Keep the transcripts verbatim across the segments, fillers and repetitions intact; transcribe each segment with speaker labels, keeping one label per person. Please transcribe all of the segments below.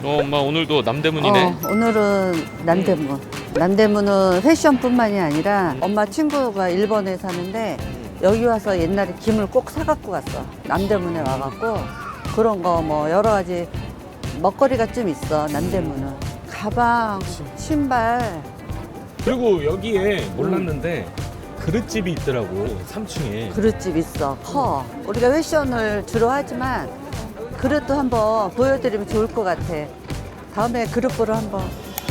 Speaker 1: 어, 엄마 오늘도 남대문이네.
Speaker 2: 어, 오늘은 남대문. 남대문은 패션뿐만이 아니라 엄마 친구가 일본에 사는데 여기 와서 옛날에 김을 꼭 사갖고 갔어. 남대문에 와갖고 그런 거 뭐 여러 가지 먹거리가 좀 있어. 남대문은 가방, 신발.
Speaker 1: 그리고 여기에 몰랐는데 그릇집이 있더라고. 삼 층에.
Speaker 2: 그릇집 있어. 커. 우리가 패션을 주로 하지만 그릇도 한번 보여드리면 좋을 것 같아. 다음에 그릇 보러 한번.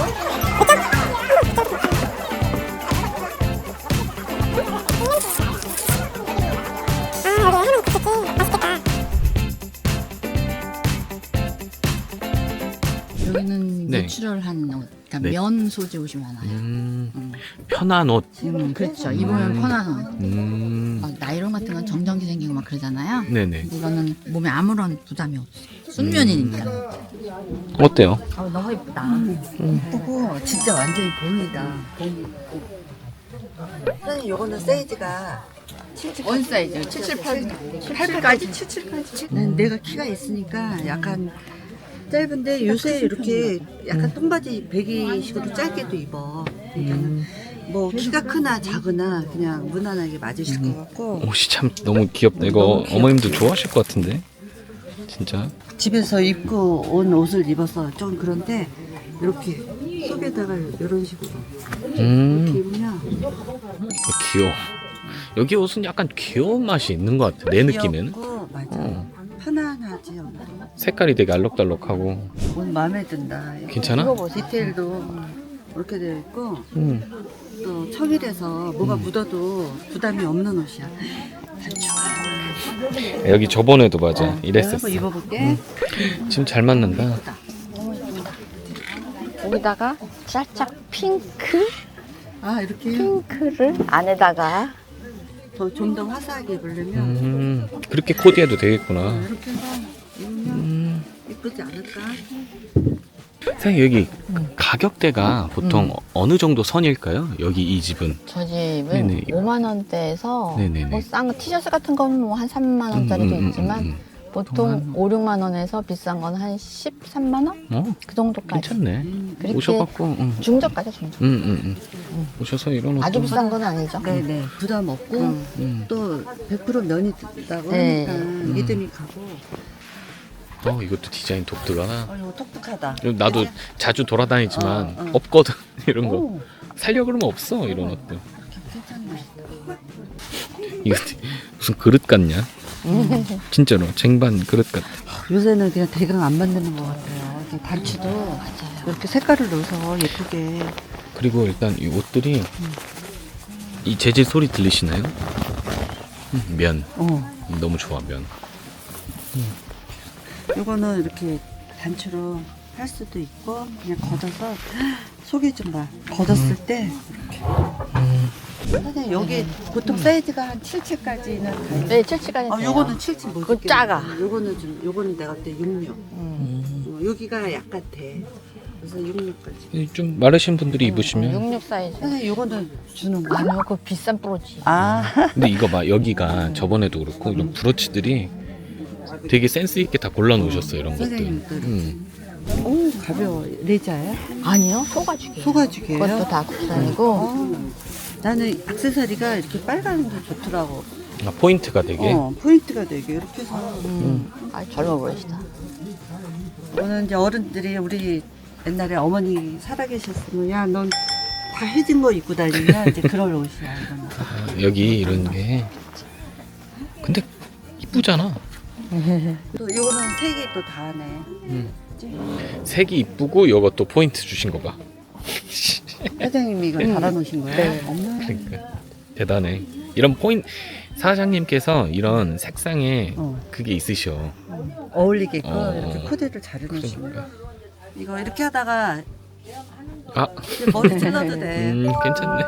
Speaker 3: 여기는
Speaker 1: 네.
Speaker 3: 내추럴한 옷, 그러니까
Speaker 1: 네.
Speaker 3: 면 소재 옷이 많아요.
Speaker 1: 음,
Speaker 3: 음,
Speaker 1: 편한 옷.
Speaker 3: 음, 그렇죠. 입으면
Speaker 1: 음.
Speaker 3: 편한 옷.
Speaker 1: 음,
Speaker 3: 막 나이론 같은 건 정전기 생기고 막 그러잖아요.
Speaker 1: 네네.
Speaker 3: 근데 이거는 몸에 아무런 부담이 없어. 순면이니까.
Speaker 1: 어때요?
Speaker 3: 아, 너무 예쁘다.
Speaker 2: 예쁘고 진짜 완전히 봄이다. 봄. 선생님 요거는 사이즈가
Speaker 3: 원 사이즈 칠십칠, 팔,
Speaker 2: 팔까지 칠십칠까지. 난 내가 키가 있으니까 약간 짧은데 요새 이렇게 약간 똥바지 배기식으로 짧게도 입어. 그러니까는 뭐 키가 크나 작으나 그냥 무난하게 맞으실 것 같고.
Speaker 1: 옷이 참 너무 귀엽다. 이거
Speaker 2: 너무 귀엽지.
Speaker 1: 어머님도 좋아하실 것 같은데. 진짜.
Speaker 2: 집에서 입고 온 옷을 입어서 좀 그런데 이렇게 속에다가 이런 식으로 이렇게
Speaker 1: 음,
Speaker 2: 입으면
Speaker 1: 귀여워. 여기 옷은 약간 귀여운 맛이 있는 것 같아. 내 느낌에는.
Speaker 2: 귀엽고 맞아.
Speaker 1: 어.
Speaker 2: 편안하지. 엄마.
Speaker 1: 색깔이 되게 알록달록하고.
Speaker 2: 옷 마음에 든다.
Speaker 1: 괜찮아?
Speaker 2: 디테일도 이렇게 되어 있고
Speaker 1: 음.
Speaker 2: 또 청일해서 뭐가 묻어도 부담이 없는 옷이야.
Speaker 1: 여기 저번에도 맞아.
Speaker 2: 내가
Speaker 1: 이랬었어.
Speaker 2: 한번 입어볼게.
Speaker 1: 지금 잘 맞는다.
Speaker 4: 여기다가 살짝 핑크?
Speaker 2: 아 이렇게
Speaker 4: 핑크를 안에다가
Speaker 2: 좀 더 화사하게 입으려면
Speaker 1: 음, 그렇게 코디해도 되겠구나.
Speaker 2: 이렇게 해서 입으면
Speaker 1: 음.
Speaker 2: 이쁘지 않을까?
Speaker 1: 선생님 여기 가격대가 보통 어느 정도 선일까요? 여기 이 집은.
Speaker 4: 저 집은
Speaker 1: 네네.
Speaker 4: 오만 원대에서
Speaker 1: 네네네.
Speaker 4: 뭐 싼 거 티셔츠 같은 건 뭐 한 삼만 원짜리도
Speaker 1: 음, 음, 음,
Speaker 4: 있지만
Speaker 1: 음,
Speaker 4: 보통 오, 육만 원에서 비싼 건 한 십삼만 원?
Speaker 1: 음. 어,
Speaker 4: 그 정도까지.
Speaker 1: 괜찮네.
Speaker 4: 그렇게
Speaker 1: 오셔갖고, 응.
Speaker 4: 중저가죠, 중저.
Speaker 1: 응, 응, 응. 오셔서 이런 옷.
Speaker 4: 아주 비싼 건 아니죠.
Speaker 2: 네네 부담 없고
Speaker 1: 음.
Speaker 2: 또 백 퍼센트 면이 든다고
Speaker 4: 네.
Speaker 2: 하니까 믿음이 가고.
Speaker 1: 어, 이것도 디자인 독특하나.
Speaker 2: 어 이거 독특하다.
Speaker 1: 나도 자주 돌아다니지만
Speaker 2: 어, 어.
Speaker 1: 없거든 이런 거.
Speaker 2: 오,
Speaker 1: 살려 그러면 없어 이런 옷들.
Speaker 2: 괜찮네.
Speaker 1: 이거 무슨 그릇 같냐? 진짜로 쟁반 그릇 같아.
Speaker 2: 요새는 그냥 대강 안 만드는 것 같아요. 이렇게 단추도 이렇게 색깔을 넣어서 예쁘게.
Speaker 1: 그리고 일단 이 옷들이 이 재질 소리 들리시나요? 음, 면
Speaker 2: 어.
Speaker 1: 너무 좋아 면.
Speaker 2: 이거는 이렇게 단추로 할 수도 있고 그냥 걷어서 속에 좀 봐. 걷었을 때 이렇게. 선생님 여기 보통 사이즈가 한 칠 칠까지는 다 있어요.
Speaker 4: 네, 칠칠까지.
Speaker 2: 아, 요거는 칠 칠 못
Speaker 4: 그거
Speaker 2: 입겠네.
Speaker 4: 작아.
Speaker 2: 요거는 좀 요거는 내가 그때 육육.
Speaker 4: 음.
Speaker 2: 어, 여기가 약간 돼. 그래서 육육까지.
Speaker 1: 좀 마르신 분들이 입으시면.
Speaker 4: 육육 사이즈.
Speaker 2: 선생님 요거는 주는 거야?
Speaker 4: 아니요, 그거 비싼 프로지.
Speaker 2: 아.
Speaker 1: 근데 이거 봐 여기가 저번에도 그렇고 이런 브로치들이 되게 센스 있게 다 골라 놓으셨어 이런 것들.
Speaker 2: 선생님들.
Speaker 1: 음.
Speaker 2: 오 가벼워. 레자야?
Speaker 4: 아니요, 소가죽이에요.
Speaker 2: 소가죽이에요?
Speaker 4: 그것도 다 국산이고.
Speaker 2: 어. 나는 액세서리가 이렇게 빨간 게 좋더라고.
Speaker 1: 아, 포인트가 되게.
Speaker 2: 어, 포인트가 되게 이렇게 해서.
Speaker 4: 음. 아, 젊어 보이시다.
Speaker 2: 오늘 이제 어른들이 우리 옛날에 어머니 살아계셨으면 야, 넌 다 해진 거 입고 다니냐 이제 그럴 옷이야 이거는.
Speaker 1: 아, 여기 이런 게. 근데 이쁘잖아.
Speaker 2: 또 이거는 색이 또 다네.
Speaker 1: 음. 색이 이쁘고 이것도 포인트 주신 거 봐.
Speaker 2: 사장님이 이걸 달아놓으신 거야?
Speaker 4: 네.
Speaker 2: 엄마.
Speaker 1: 그러니까 대단해. 이런 포인트 사장님께서 이런 색상에
Speaker 2: 어.
Speaker 1: 그게 있으셔.
Speaker 2: 어울리게끔
Speaker 1: 어.
Speaker 2: 이렇게 코디를 잘 해놓으시고.
Speaker 1: 그러니까.
Speaker 2: 이거 이렇게 하다가
Speaker 1: 아,
Speaker 2: 이제 머리 찔러도 돼.
Speaker 1: 음, 괜찮네.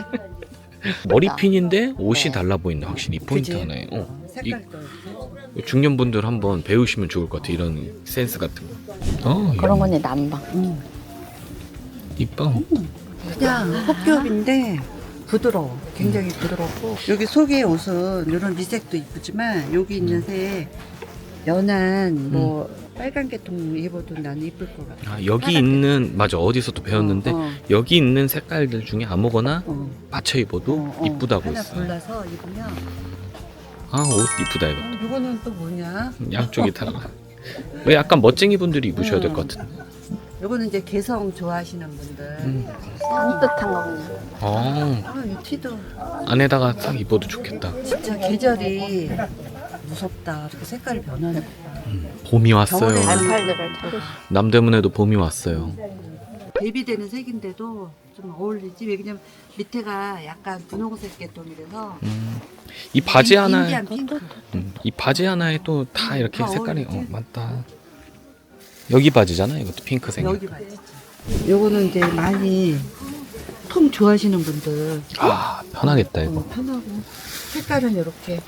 Speaker 1: 머리핀인데 옷이 달라 보인다. 확실히 이 포인트
Speaker 2: 그지?
Speaker 1: 하나에. 어. 이,
Speaker 2: 색깔도 이렇게.
Speaker 1: 중년분들 한번 배우시면 좋을 것 같아. 이런 센스 같은 거. 어,
Speaker 4: 그런 건 난방.
Speaker 2: 음.
Speaker 1: 이뻐.
Speaker 2: 그냥 헛겹인데 부드러워. 굉장히 부드럽고 여기 속에 옷은 이런 미색도 이쁘지만 여기 있는 색 연한 뭐 빨간 계통 입어도 나는 이쁠 것 같아.
Speaker 1: 아, 여기 있는 맞아 어디서 또 배웠는데
Speaker 2: 어, 어.
Speaker 1: 여기 있는 색깔들 중에 아무거나
Speaker 2: 어.
Speaker 1: 맞춰 입어도
Speaker 2: 어, 어.
Speaker 1: 이쁘다고
Speaker 2: 하나
Speaker 1: 했어.
Speaker 2: 골라서 입으면.
Speaker 1: 아 옷 이쁘다 이거.
Speaker 2: 어, 이거는 또 뭐냐?
Speaker 1: 양쪽이 달라. 왜 약간 멋쟁이 분들이 입으셔야 될 것 같은데.
Speaker 2: 이거는 이제 개성 좋아하시는 분들.
Speaker 1: 음.
Speaker 4: 산뜻한 거군요.
Speaker 1: 어
Speaker 2: 아, 이 티도
Speaker 1: 안에다가 딱 입어도 좋겠다.
Speaker 2: 진짜 계절이 무섭다. 이렇게 색깔이 변하는 거.
Speaker 1: 봄이 왔어요.
Speaker 2: 겨울에
Speaker 4: 알팔들을 타고
Speaker 1: 남대문에도 봄이 왔어요.
Speaker 2: 대비되는 색인데도 좀 어울리지. 왜냐면 밑에가 약간 분홍색 계통이라서.
Speaker 1: 음. 이 바지
Speaker 2: 인-
Speaker 1: 하나에
Speaker 2: 인디안 핑크.
Speaker 1: 음, 이 바지 하나에 또 다 이렇게
Speaker 2: 다
Speaker 1: 색깔이 어,
Speaker 2: 어울리지?
Speaker 1: 맞다. 여기 바지잖아. 이것도 핑크색.
Speaker 2: 여기 맞지. 요거는 이제 많이 통 좋아하시는 분들
Speaker 1: 아 편하겠다 이거.
Speaker 2: 어, 편하고 색깔은 이렇게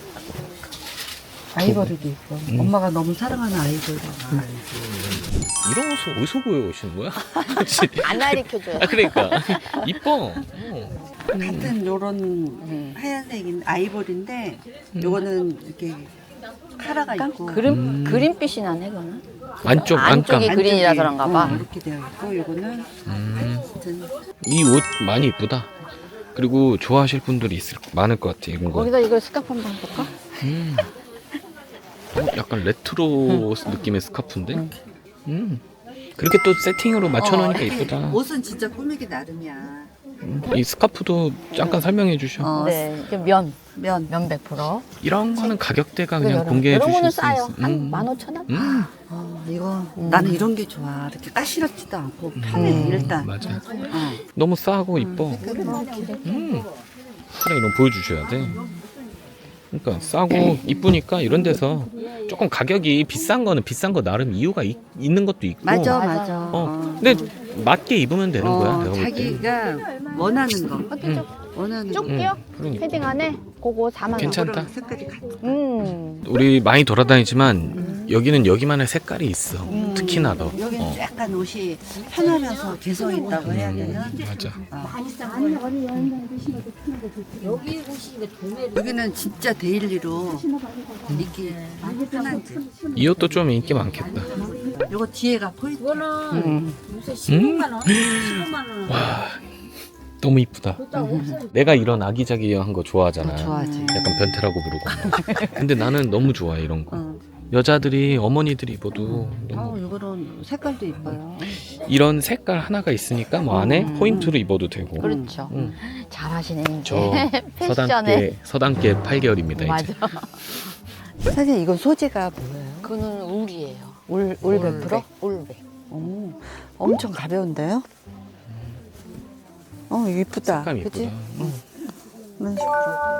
Speaker 2: 아이보리도 있고
Speaker 1: 음.
Speaker 2: 엄마가 너무 사랑하는 아이보리.
Speaker 1: 이런 옷을 어디서 구해오시는 거야?
Speaker 4: 안 가르쳐줘요.
Speaker 1: 아 그러니까 이뻐. 어.
Speaker 2: 같은 요런 하얀색인 아이보리인데 요거는 이렇게 카라가 있고
Speaker 4: 그림
Speaker 1: 음.
Speaker 4: 그린빛이 나네 그거는.
Speaker 1: 안쪽
Speaker 4: 안쪽이
Speaker 1: 안감.
Speaker 4: 그린이라 그런가 봐.
Speaker 2: 어, 이렇게 되어 있고 요거는
Speaker 1: 음,
Speaker 2: 하여튼
Speaker 1: 이 옷 많이 이쁘다. 그리고 좋아하실 분들이 있을 많을 것 같아 이런 거.
Speaker 4: 거기다 이거 스카프 한번 볼까?
Speaker 1: 음. 어, 약간 레트로 느낌의 스카프인데. 음. 그렇게 또 세팅으로 맞춰놓으니까
Speaker 2: 어, 이렇게
Speaker 1: 이쁘다.
Speaker 2: 옷은 진짜 꾸미기 나름이야.
Speaker 1: 음, 이 스카프도 잠깐 설명해 주셔.
Speaker 2: 어,
Speaker 4: 네, 이게 면,
Speaker 2: 면
Speaker 4: 면 백 퍼센트.
Speaker 1: 이런 거는 가격대가 그냥
Speaker 4: 이런-
Speaker 1: 공개해
Speaker 4: 이런 거는
Speaker 1: 주실 수
Speaker 4: 싸요.
Speaker 1: 있어.
Speaker 4: 한
Speaker 1: 음.
Speaker 4: 만 오천 원?
Speaker 1: 음.
Speaker 2: 어, 이거
Speaker 4: 음.
Speaker 2: 나는 이런 게 좋아. 이렇게 까시럽지도 않고 편해
Speaker 1: 음,
Speaker 2: 일단.
Speaker 1: 맞아.
Speaker 2: 어.
Speaker 1: 너무 싸고 이뻐.
Speaker 2: 색깔은 이렇게.
Speaker 1: 음. 차라리 이런 거 보여주셔야 돼. 그러니까 싸고 이쁘니까 이런 데서 조금 가격이 비싼 거는 비싼 거 나름 이유가 있, 있는 것도 있고.
Speaker 2: 맞아,
Speaker 4: 맞아.
Speaker 2: 맞아.
Speaker 1: 어. 근데 맞게 입으면 되는 거야.
Speaker 2: 어,
Speaker 1: 내가 볼 때.
Speaker 2: 자기가 원하는 거,
Speaker 1: 응.
Speaker 2: 원하는 거.
Speaker 4: 쪽지요?
Speaker 1: 응, 그러니까.
Speaker 4: 패딩 안에 그거 사만 원.
Speaker 1: 괜찮다.
Speaker 2: 그거랑 색깔이 같아.
Speaker 4: 음.
Speaker 1: 우리 많이 돌아다니지만 여기는 여기만의 색깔이 있어.
Speaker 2: 음.
Speaker 1: 특히나 더.
Speaker 2: 여기는
Speaker 1: 어.
Speaker 2: 약간 옷이 편하면서 개성 있다고 해야 되나?
Speaker 1: 맞아.
Speaker 2: 여기는 진짜 데일리로 입기 편한 집.
Speaker 1: 이 옷도 좀 인기 많겠다.
Speaker 2: 요거 뒤에가 포인트.
Speaker 1: 음? 와, 너무 이쁘다. 내가 이런 아기자기한 거 좋아하잖아.
Speaker 2: 어, 좋아하지.
Speaker 1: 약간 변태라고 부르고. 근데 나는 너무 좋아해 이런 거.
Speaker 2: 어.
Speaker 1: 여자들이 어머니들이 입어도 너무
Speaker 2: 어, 요거는 색깔도 이뻐요.
Speaker 1: 이런 색깔 하나가 있으니까 뭐 안에
Speaker 2: 음.
Speaker 1: 포인트로 입어도 되고.
Speaker 4: 그렇죠.
Speaker 1: 응.
Speaker 4: 잘하시네.
Speaker 1: 저
Speaker 4: 패션에.
Speaker 1: 서당계 서당계 팔 개월입니다 이제.
Speaker 4: 맞아.
Speaker 2: 사실 이건 소재가 뭐예요?
Speaker 4: 그거는 울이에요.
Speaker 2: 울, 울 백 퍼센트?
Speaker 4: 울백.
Speaker 2: 오, 엄청 가벼운데요? 어, 이거 이쁘다.
Speaker 1: 색감
Speaker 2: 그치?
Speaker 1: 이쁘다. 응.
Speaker 2: 이런 식으로.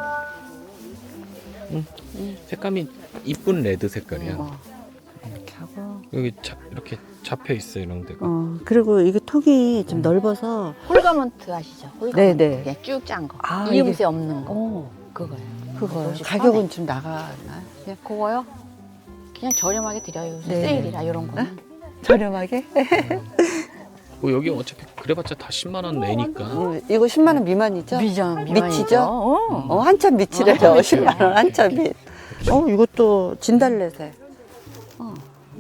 Speaker 1: 색감이 이쁜 레드 색깔이야.
Speaker 2: 어, 이렇게 하고.
Speaker 1: 여기 자, 이렇게 잡혀 있어 이런 데가.
Speaker 2: 어, 그리고 이게 톡이 좀 넓어서.
Speaker 4: 홀가먼트 아시죠? 홀가먼트.
Speaker 2: 네네.
Speaker 4: 그냥 쭉 짠 거.
Speaker 2: 아,
Speaker 4: 이음새
Speaker 2: 이게-
Speaker 4: 없는 거.
Speaker 2: 어,
Speaker 4: 그거예요.
Speaker 2: 그거요.
Speaker 4: 옷이
Speaker 2: 가격은
Speaker 4: 편해.
Speaker 2: 좀 나가나요? 그냥
Speaker 4: 그거요? 그냥 저렴하게 드려요. 요새
Speaker 2: 네.
Speaker 4: 세일이라 이런 거는.
Speaker 2: 저렴하게?
Speaker 1: 뭐 여기 어차피 그래봤자 다 십만 원 내니까.
Speaker 2: 어, 이거 십만 원 미만이죠?
Speaker 4: 미전,
Speaker 2: 미치죠?
Speaker 4: 어.
Speaker 2: 어, 한참 미치래요.
Speaker 4: 한참 미치야.
Speaker 2: 십만 원 한참 미. 어, 이것도 진달래색. 어,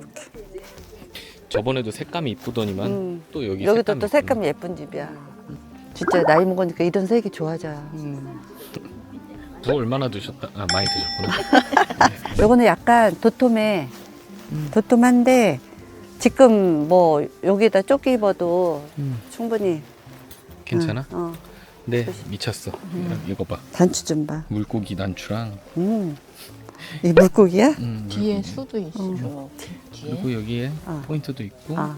Speaker 1: 저번에도 색감이 이쁘더니만
Speaker 2: 음.
Speaker 1: 또 여기
Speaker 2: 여기도
Speaker 1: 색감이
Speaker 2: 또 색감이 예쁜 집이야. 진짜 나이 먹으니까 이런 색이 좋아져.
Speaker 4: 음.
Speaker 1: 뭐 얼마나 드셨다? 아 많이 드셨구나.
Speaker 2: 요거는 약간 도톰해.
Speaker 1: 음.
Speaker 2: 도톰한데 지금 뭐 여기다 조끼 입어도
Speaker 1: 음.
Speaker 2: 충분히.
Speaker 1: 괜찮아?
Speaker 2: 응, 어,
Speaker 1: 네 미쳤어. 이거 봐.
Speaker 2: 단추 좀 봐.
Speaker 1: 물고기 단추랑.
Speaker 2: 음. 이 물고기야?
Speaker 1: 음,
Speaker 4: 뒤에
Speaker 1: 물고기.
Speaker 4: 수도 있어.
Speaker 2: 음.
Speaker 4: 뒤에.
Speaker 1: 그리고 여기에
Speaker 2: 어.
Speaker 1: 포인트도 있고
Speaker 2: 아,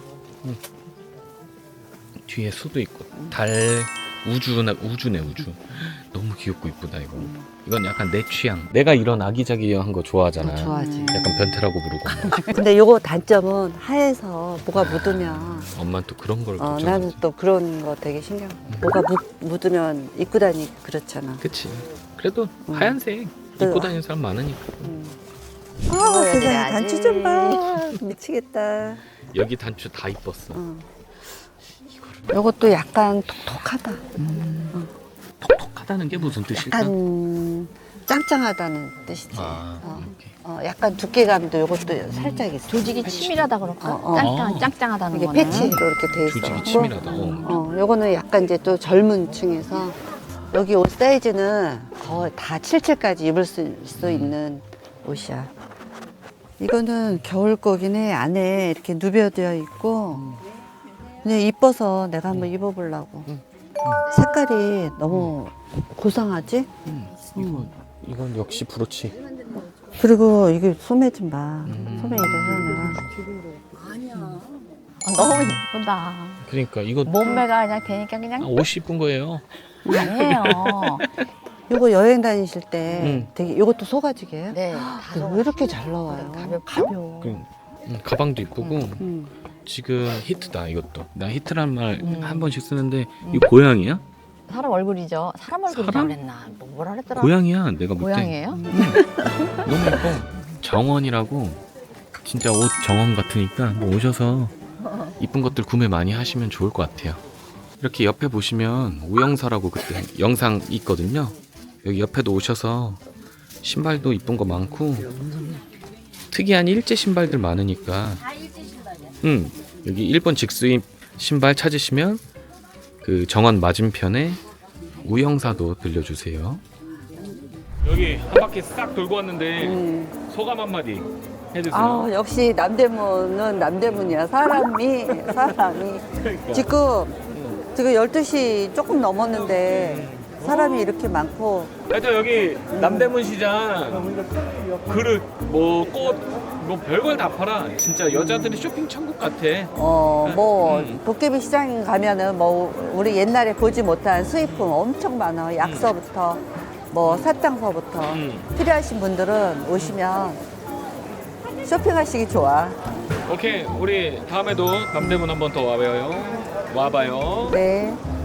Speaker 1: 뒤에 수도 있고 달 우주나 우주네 우주. 너무 귀엽고 이쁘다 이거. 이건 약간 내 취향. 내가 이런 아기자기한 거 좋아하잖아.
Speaker 2: 어, 좋아하지.
Speaker 1: 약간 변태라고 부르고.
Speaker 2: 근데 요거 단점은 하에서 뭐가 묻으면
Speaker 1: 엄마는 또 그런 걸
Speaker 2: 어,
Speaker 1: 걱정하지.
Speaker 2: 나는 또 그런 거 되게 신경. 뭐가 묻, 묻으면 입고 다니기 그렇잖아.
Speaker 1: 그치. 그래도
Speaker 2: 음.
Speaker 1: 하얀색
Speaker 2: 또-
Speaker 1: 입고 다니는 사람 많으니까.
Speaker 2: 음.
Speaker 4: 아,
Speaker 2: 아, 세상에
Speaker 4: 해드려야지.
Speaker 2: 단추 좀 봐. 미치겠다.
Speaker 1: 여기 단추 다 이뻤어.
Speaker 2: 어. 요것도 약간 톡톡하다.
Speaker 1: 톡톡하다는 게 무슨 뜻일까?
Speaker 2: 약간 짱짱하다는 뜻이지.
Speaker 1: 아,
Speaker 2: 어.
Speaker 1: 오케이.
Speaker 2: 어, 약간 두께감도 요것도 살짝 있어.
Speaker 4: 조직이 치밀하다 그럴까?
Speaker 2: 어, 어.
Speaker 4: 짱짱,
Speaker 1: 어.
Speaker 4: 짱짱하다는
Speaker 2: 이게
Speaker 4: 거는.
Speaker 2: 패치로 이렇게 돼 있어.
Speaker 1: 조직이 치밀하다. 어.
Speaker 2: 어, 요거는 약간 이제 또 젊은 층에서 여기 옷 사이즈는 거의 다 칠칠까지 입을 수, 수 있는 옷이야. 이거는 겨울 거긴 해. 안에 이렇게 누벼되어 있고 그냥 이뻐서 내가 한번 입어보려고. 색깔이 너무 고상하지?
Speaker 1: 음, 이거 이건 역시 브로치.
Speaker 2: 그리고 이게 소매 좀 봐.
Speaker 1: 음.
Speaker 2: 소매 이래서
Speaker 4: 아, 너무 이쁘다.
Speaker 1: 그러니까 이거
Speaker 4: 몸매가 그냥 되니까 그냥
Speaker 1: 아, 옷이 이쁜 거예요.
Speaker 4: 아니에요.
Speaker 2: 내가 이거 여행 다니실 때
Speaker 1: 음.
Speaker 2: 되게 이것도 소가죽이에요?
Speaker 4: 네.
Speaker 2: 근데 왜 이렇게 잘 나와요?
Speaker 4: 가볍, 가벼워.
Speaker 1: 그, 음, 가방도 이쁘고
Speaker 2: 음.
Speaker 1: 지금 히트다 이것도. 나 히트란 말 한
Speaker 4: 음.
Speaker 1: 번씩 쓰는데 이거 고양이야?
Speaker 4: 사람 얼굴이죠. 사람 얼굴이라고
Speaker 1: 사람?
Speaker 4: 그랬나? 뭐 뭐라 그랬더라?
Speaker 1: 고양이야. 내가 볼 때.
Speaker 4: 고양이에요?
Speaker 1: 너무 예뻐. 정원이라고 진짜 옷 정원 같으니까 뭐 오셔서 이쁜 것들 구매 많이 하시면 좋을 것 같아요. 이렇게 옆에 보시면 우영사라고 그때 영상 있거든요. 여기 옆에도 오셔서 신발도 이쁜 거 많고 특이한 일제 신발들 많으니까 응 여기 일본 직수입 신발 찾으시면 그 정원 맞은편에 우영사도 들려주세요. 여기 한 바퀴 싹 돌고 왔는데
Speaker 2: 음.
Speaker 1: 소감 한마디 해주세요.
Speaker 2: 아 역시 남대문은 남대문이야. 사람이 사람이 지금 지금 열두 시 조금 넘었는데 사람이 이렇게 많고
Speaker 1: 하여튼 여기 남대문 시장 그릇 뭐 꽃 뭐 별걸 다 팔아. 진짜 여자들이 쇼핑 천국 같아.
Speaker 2: 어 뭐
Speaker 1: 음.
Speaker 2: 도깨비 시장 가면은 뭐 우리 옛날에 보지 못한 수입품 엄청 많아. 약서부터 뭐 사탕서부터
Speaker 1: 음.
Speaker 2: 필요하신 분들은 오시면 쇼핑하시기 좋아.
Speaker 1: 오케이 우리 다음에도 남대문 한번 더 와봐요. 와봐요.
Speaker 2: 네.